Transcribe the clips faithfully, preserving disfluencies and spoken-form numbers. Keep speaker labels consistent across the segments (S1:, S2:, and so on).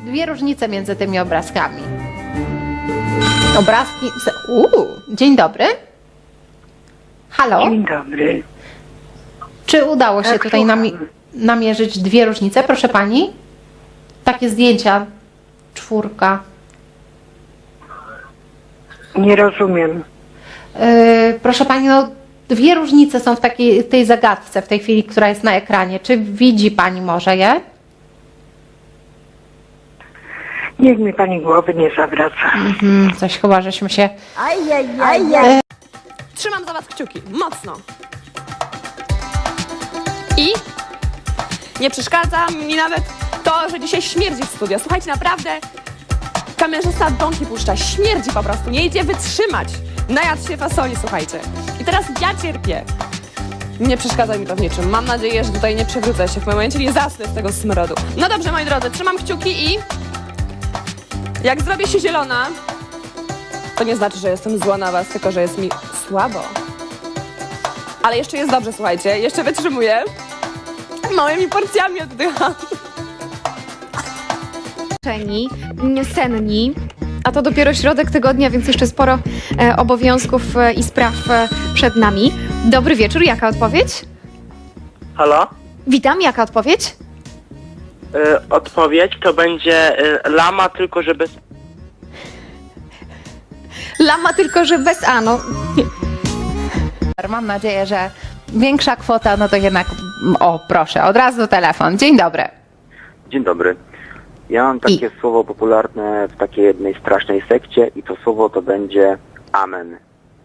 S1: dwie różnice między tymi obrazkami. Obrazki... Uuu, dzień dobry. Halo?
S2: Dzień dobry.
S1: Czy udało się
S2: Tak,
S1: tutaj nami
S2: słucham.
S1: namierzyć dwie różnice, proszę pani? Takie zdjęcia. Czwórka.
S2: Nie rozumiem.
S1: Yy, proszę pani, no dwie różnice są w takiej tej zagadce w tej chwili, która jest na ekranie. Czy widzi pani może je?
S2: Niech mi pani głowy nie zawraca.
S1: Mhm, coś chyba, żeśmy się...
S3: Ajajaj. Trzymam za was kciuki, mocno. I nie przeszkadza mi nawet to, że dzisiaj śmierdzi w studio. Słuchajcie, naprawdę kamerzysta bąki puszcza, śmierdzi po prostu, nie idzie wytrzymać. Najadł się fasoli, słuchajcie. I teraz ja cierpię. Nie przeszkadza mi to w niczym. Mam nadzieję, że tutaj nie przewrócę się w momencie, nie zasnę z tego smrodu. No dobrze, moi drodzy, trzymam kciuki i jak zrobię się zielona, to nie znaczy, że jestem zła na was, tylko że jest mi słabo. Ale jeszcze jest dobrze, słuchajcie, jeszcze wytrzymuję. Małymi porcjami oddycham.
S4: Senni, a to dopiero środek tygodnia, więc jeszcze sporo e, obowiązków e, i spraw e, przed nami. Dobry wieczór, jaka odpowiedź?
S5: Halo?
S4: Witam, jaka odpowiedź?
S5: Y, odpowiedź to będzie y, lama, tylko że bez...
S4: Lama, tylko że bez A, no.
S1: Mam nadzieję, że większa kwota, no to jednak... O, proszę, od razu telefon. Dzień dobry.
S6: Dzień dobry. Ja mam takie
S1: I?
S6: słowo popularne w takiej jednej strasznej sekcie i to słowo to będzie amen.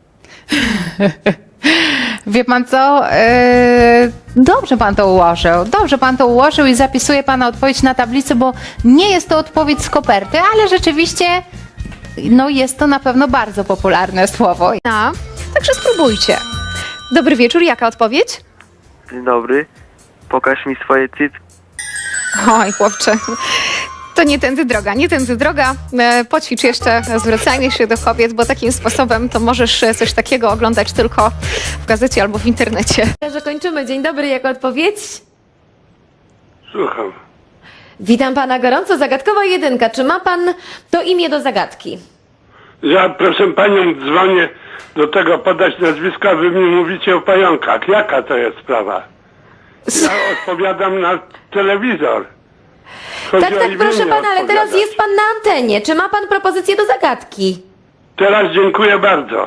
S1: Wie pan co? Yy, dobrze pan to ułożył. Dobrze pan to ułożył i zapisuje pana odpowiedź na tablicy, bo nie jest to odpowiedź z koperty, ale rzeczywiście no jest to na pewno bardzo popularne słowo.
S4: A, także spróbujcie. Dobry wieczór, jaka odpowiedź?
S5: Dzień dobry. Pokaż mi swoje cycki.
S4: Oj, chłopcze, to nie tędy droga, nie tędy droga. E, poćwicz jeszcze zwracanie się do kobiet, bo takim sposobem to możesz e, coś takiego oglądać tylko w gazecie albo w internecie.
S7: Że kończymy. Dzień dobry, jako odpowiedź?
S8: Słucham.
S7: Witam pana gorąco. Zagadkowa jedynka. Czy ma pan to imię do zagadki?
S8: Ja proszę panią dzwonię do tego podać nazwiska, a wy mi mówicie o pająkach. Jaka to jest sprawa? Ja odpowiadam na telewizor. Chodzi
S7: Tak,
S8: o
S7: tak,
S8: imię
S7: proszę pana, ale teraz
S8: odpowiadać.
S7: jest pan na antenie. Czy ma pan propozycję do zagadki?
S8: Teraz dziękuję bardzo.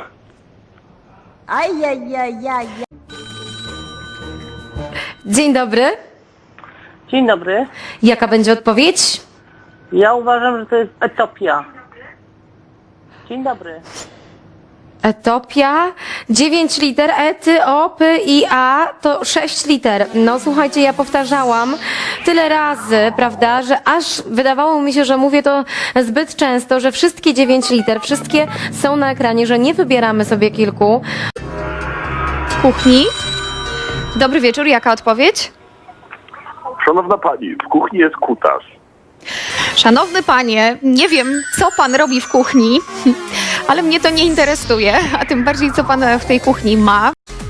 S3: Ajajajaj.
S7: Dzień dobry.
S9: Dzień dobry.
S7: Jaka będzie odpowiedź?
S9: Ja uważam, że to jest Etiopia. Dzień dobry.
S7: Etopia, dziewięć liter, ety, o, py i a to sześć liter. No słuchajcie, ja powtarzałam tyle razy, prawda, że aż wydawało mi się, że mówię to zbyt często, że wszystkie dziewięć liter, wszystkie są na ekranie, że nie wybieramy sobie kilku.
S4: W kuchni. Dobry wieczór, jaka odpowiedź?
S8: Szanowna pani, w kuchni jest kutarz.
S4: Szanowny panie, nie wiem, co pan robi w kuchni, ale mnie to nie interesuje, a tym bardziej, co pan w tej kuchni ma.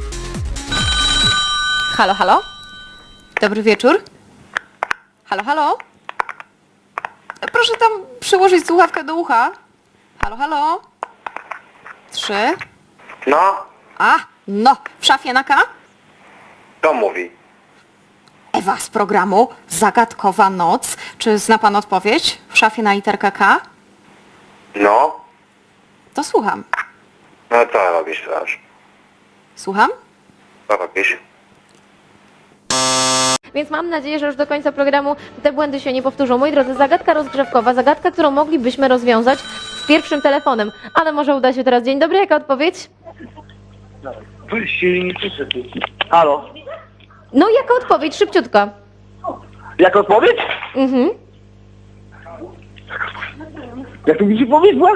S4: Halo, halo? Dobry wieczór. Halo, halo? Proszę tam przyłożyć słuchawkę do ucha. Halo, halo? Trzy.
S6: No,
S4: A, no, w szafie na K?
S6: to mówi.
S4: Ewa z programu Zagadkowa Noc. Czy zna pan odpowiedź? W szafie na literkę K?
S6: No,
S4: To słucham.
S6: no co robisz teraz?
S4: Słucham?
S6: Co robisz?
S7: Więc mam nadzieję, że już do końca programu te błędy się nie powtórzą. Moi drodzy, zagadka rozgrzewkowa, zagadka, którą moglibyśmy rozwiązać z pierwszym telefonem. Ale może uda się teraz. Dzień dobry, jaka odpowiedź?
S5: Halo?
S7: No, jaka odpowiedź? Szybciutko.
S5: Jak odpowiedź?
S7: Mhm.
S5: Jak to mi się powiedziała?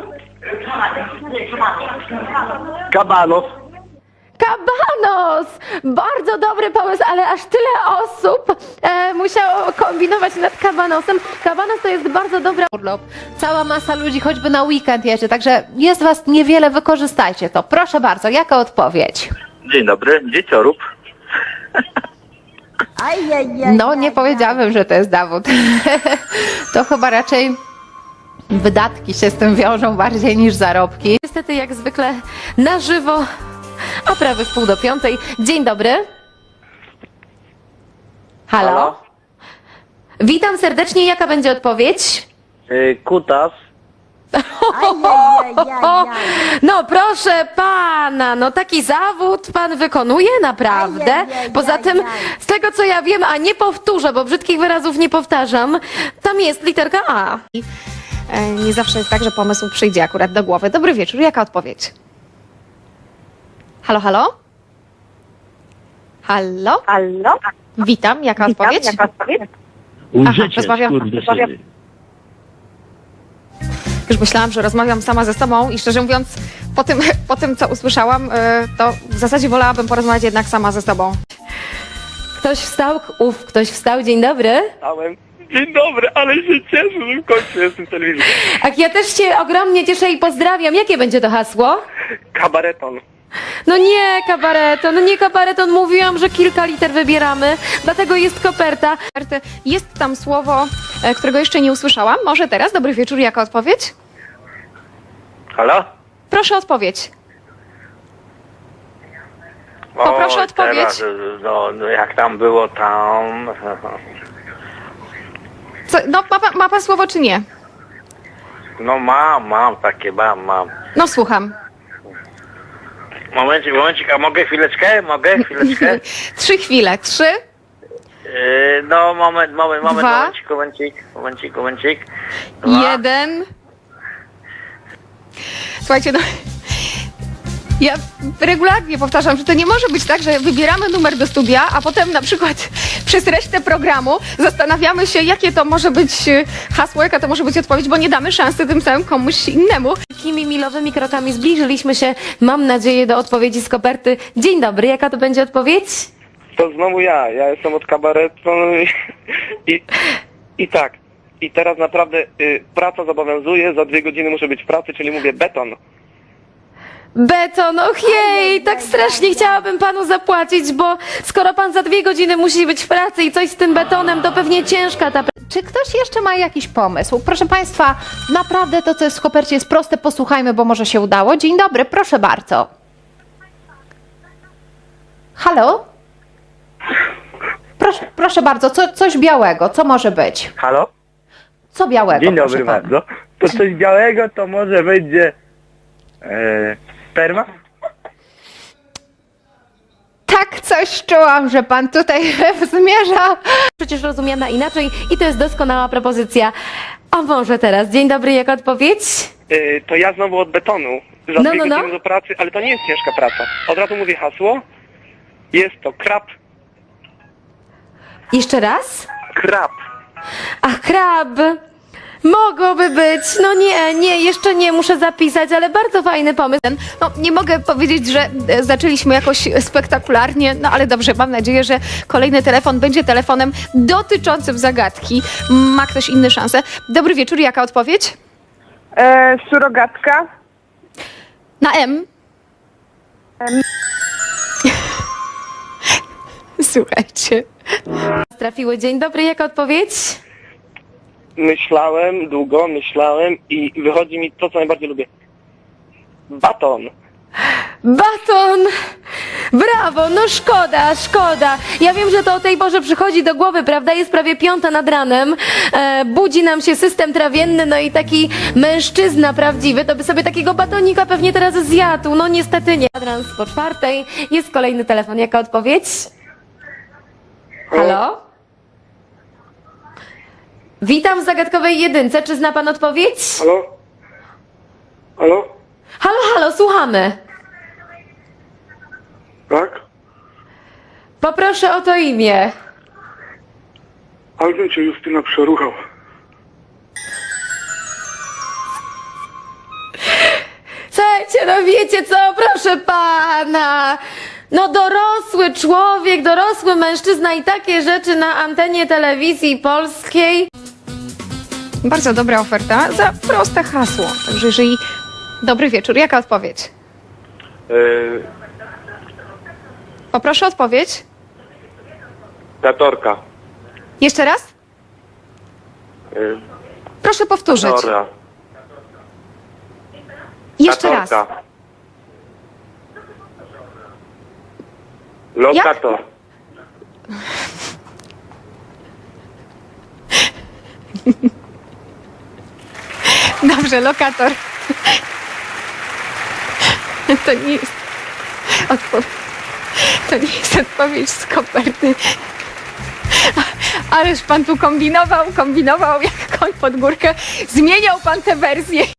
S5: Kabanos.
S7: Kabanos! Bardzo dobry pomysł, ale aż tyle osób e, musiało kombinować nad kabanosem. Kabanos to jest bardzo dobra...
S1: Urlop. Cała masa ludzi choćby na weekend jedzie, także jest was niewiele, wykorzystajcie to. Proszę bardzo, jaka odpowiedź?
S5: Dzień dobry, dzieciorób.
S1: No, nie powiedziałabym, że to jest dowód. To chyba raczej wydatki się z tym wiążą bardziej niż zarobki.
S7: Niestety jak zwykle na żywo, a prawie w pół do piątej. Dzień dobry. Halo?
S6: Halo?
S7: Witam serdecznie, jaka będzie odpowiedź?
S6: Y, kutas.
S7: No proszę pana, no taki zawód pan wykonuje naprawdę. Poza tym, z tego co ja wiem, a nie powtórzę, bo brzydkich wyrazów nie powtarzam, tam jest literka A.
S4: E, Nie zawsze jest tak, że pomysł przyjdzie akurat do głowy. Dobry wieczór, jaka odpowiedź? Halo, halo? Halo?
S9: Allo?
S4: Witam, jaka odpowiedź?
S9: Jaka odpowiedź?
S4: Aha, rozmawiam, rozmawiam. Już myślałam, że rozmawiam sama ze sobą i szczerze mówiąc, po tym, po tym co usłyszałam, e, to w zasadzie wolałabym porozmawiać jednak sama ze sobą.
S7: Ktoś wstał, ów, ktoś wstał, dzień dobry.
S5: Stałem. Dzień dobry, ale się cieszę, że w końcu jestem w telewizji.
S7: Ach, ja też się ogromnie cieszę i pozdrawiam. Jakie będzie to hasło?
S5: Kabareton.
S7: No nie kabareton, no nie kabareton, mówiłam, że kilka liter wybieramy, dlatego jest koperta.
S4: Jest tam słowo, e, którego jeszcze nie usłyszałam. Może teraz? Dobry wieczór, jaka odpowiedź?
S5: Halo?
S4: Proszę odpowiedź. Poproszę
S5: O,
S4: odpowiedź.
S5: Teraz, no, no jak tam było tam...
S4: Co, no, ma, pan- ma pan słowo czy nie?
S5: No mam, mam takie, mam, mam.
S4: No słucham.
S5: Momencik, momencik, a mogę chwileczkę? Mogę chwileczkę?
S4: Trzy chwile. Trzy,
S5: Yy, no moment, moment, moment,
S4: Dwa.
S5: momencik, momencik, momencik, momencik. Dwa.
S4: jeden. Słuchajcie, no... Ja regularnie powtarzam, że to nie może być tak, że wybieramy numer do studia, a potem na przykład przez resztę programu zastanawiamy się, jakie to może być e, hasło, jaka to może być odpowiedź, bo nie damy szansy tym samym komuś innemu.
S7: Takimi milowymi krokami zbliżyliśmy się, mam nadzieję, do odpowiedzi z koperty. Dzień dobry, jaka to będzie odpowiedź?
S10: To znowu ja. Ja jestem od kabaretu i, i, i tak. I teraz naprawdę y, praca zobowiązuje, za dwie godziny muszę być w pracy, czyli mówię beton.
S7: Beton, och jej, tak strasznie chciałabym panu zapłacić, bo skoro pan za dwie godziny musi być w pracy i coś z tym betonem, to pewnie ciężka ta praca.
S1: Czy ktoś jeszcze ma jakiś pomysł? Proszę Państwa, naprawdę to, co jest w kopercie, jest proste. Posłuchajmy, bo może się udało. Dzień dobry, proszę bardzo. Halo? Proszę, proszę bardzo, co, coś białego, co może być?
S10: Halo?
S1: Co białego?
S10: Dzień
S1: proszę
S10: dobry
S1: pana?
S10: bardzo. To coś białego to może będzie e, sperma?
S1: Tak, coś czułam, że pan tutaj zmierza.
S7: Przecież rozumiana inaczej i to jest doskonała propozycja. A może teraz, dzień dobry, jaka odpowiedź?
S10: E, to ja znowu od betonu. Za
S7: No,
S10: dwie
S7: no, no.
S10: godziny do pracy, ale to nie jest ciężka praca. Od razu mówię hasło. Jest to krab.
S7: Jeszcze raz?
S10: Krab.
S7: Ach, krab. Mogłoby być. No nie, nie, jeszcze nie, muszę zapisać, ale bardzo fajny pomysł.
S4: No, nie mogę powiedzieć, że e, zaczęliśmy jakoś spektakularnie, no ale dobrze, mam nadzieję, że kolejny telefon będzie telefonem dotyczącym zagadki. Ma ktoś inny szansę? Dobry wieczór, jaka odpowiedź?
S9: E, surogatka?
S4: Na M. Słuchajcie.
S7: Trafiły, dzień dobry, jaka odpowiedź?
S10: Myślałem długo, myślałem i wychodzi mi to, co najbardziej lubię. Baton.
S7: Baton! Brawo, no szkoda, szkoda. Ja wiem, że to o tej porze przychodzi do głowy, prawda? Jest prawie piąta nad ranem. E, budzi nam się system trawienny, no i taki mężczyzna prawdziwy, to by sobie takiego batonika pewnie teraz zjadł. No niestety nie. Kwadrans po czwartej. Jest kolejny telefon. Jaka odpowiedź? Halo? Witam w zagadkowej jedynce. Czy zna pan odpowiedź?
S10: Halo? Halo?
S7: Halo, halo, słuchamy.
S8: Tak?
S7: Poproszę o to imię.
S8: Ale bym cię Justyna przeruchał.
S7: Słuchajcie, no wiecie co, proszę pana. No dorosły człowiek, dorosły mężczyzna i takie rzeczy na antenie telewizji polskiej.
S4: Bardzo dobra oferta za proste hasło. Także jeżeli... Dobry wieczór, jaka odpowiedź?
S10: Yy,
S4: Poproszę odpowiedź.
S10: Katorka.
S4: Jeszcze raz?
S10: Y,
S4: Proszę powtórzyć.
S10: Katora.
S4: Jeszcze raz.
S10: Katorka. Lokator.
S4: Dobrze, lokator. To nie jest odpowiedź. To nie jest odpowiedź z koperty. Ależ pan tu kombinował, kombinował jak koń pod górkę. Zmieniał pan tę wersję.